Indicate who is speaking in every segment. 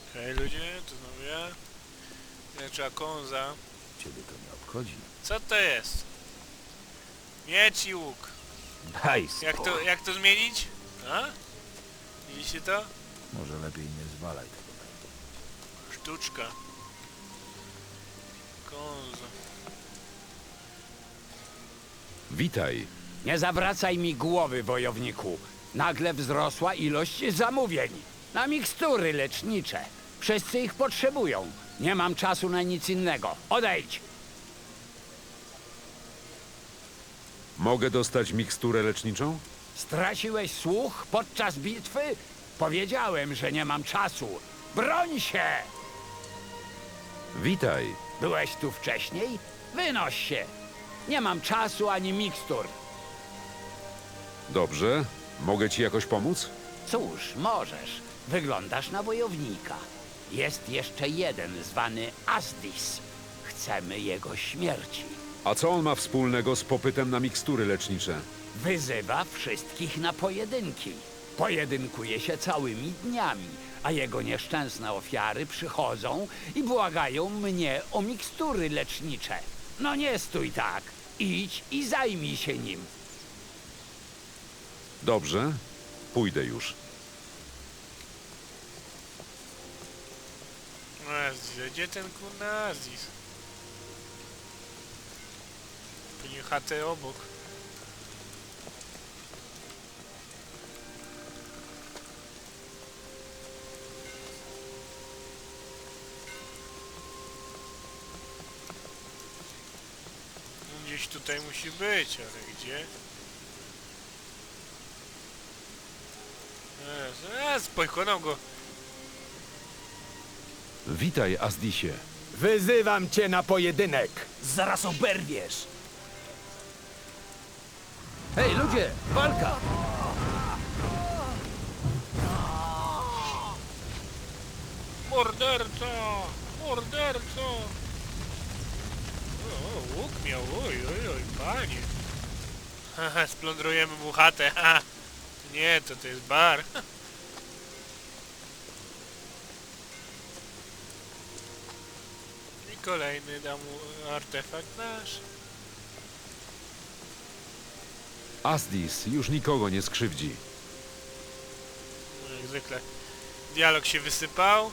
Speaker 1: Hej ludzie, to znowu ja. Trzeba konza.
Speaker 2: Ciebie to nie obchodzi.
Speaker 1: Co to jest? Miecz i łuk.
Speaker 2: Daj spokój.
Speaker 1: Jak to zmienić? A? Widzicie to?
Speaker 2: Może lepiej nie zwalaj tego.
Speaker 1: Sztuczka. Konzo.
Speaker 3: Witaj.
Speaker 4: Nie zawracaj mi głowy, wojowniku. Nagle wzrosła ilość zamówień. Na mikstury lecznicze. Wszyscy ich potrzebują. Nie mam czasu na nic innego. Odejdź!
Speaker 3: Mogę dostać miksturę leczniczą?
Speaker 4: Straciłeś słuch podczas bitwy? Powiedziałem, że nie mam czasu. Broń się!
Speaker 3: Witaj.
Speaker 4: Byłeś tu wcześniej? Wynoś się! Nie mam czasu ani mikstur.
Speaker 3: Dobrze. Mogę ci jakoś pomóc?
Speaker 4: Cóż, możesz. Wyglądasz na wojownika. Jest jeszcze jeden zwany Asdis. Chcemy jego śmierci.
Speaker 3: A co on ma wspólnego z popytem na mikstury lecznicze?
Speaker 4: Wyzywa wszystkich na pojedynki. Pojedynkuje się całymi dniami, a jego nieszczęsne ofiary przychodzą i błagają mnie o mikstury lecznicze. No nie stój tak. Idź i zajmij się nim.
Speaker 3: Dobrze. Pójdę już.
Speaker 1: Azis, gdzie ten kurna Azis? Pewnie chatę obok. Gdzieś tutaj musi być, ale gdzie? Pokonał go.
Speaker 3: Witaj, Asdisie.
Speaker 5: Wyzywam cię na pojedynek. Zaraz oberwiesz.
Speaker 2: Hej, ludzie! Walka!
Speaker 1: Morderca! Morderca! O, łuk miał, oj, panie. Haha, splądrujemy mu chatę, haha. Nie, to jest bar. I kolejny da mu artefakt nasz.
Speaker 3: Asdis już nikogo nie skrzywdzi.
Speaker 1: No, jak zwykle. Dialog się wysypał.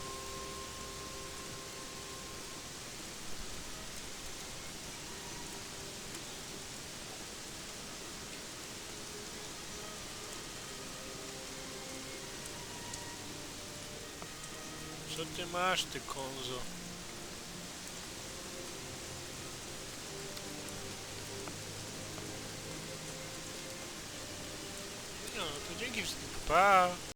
Speaker 1: Co ty masz, ty konzo? No, to dzięki wszystkim. Pa!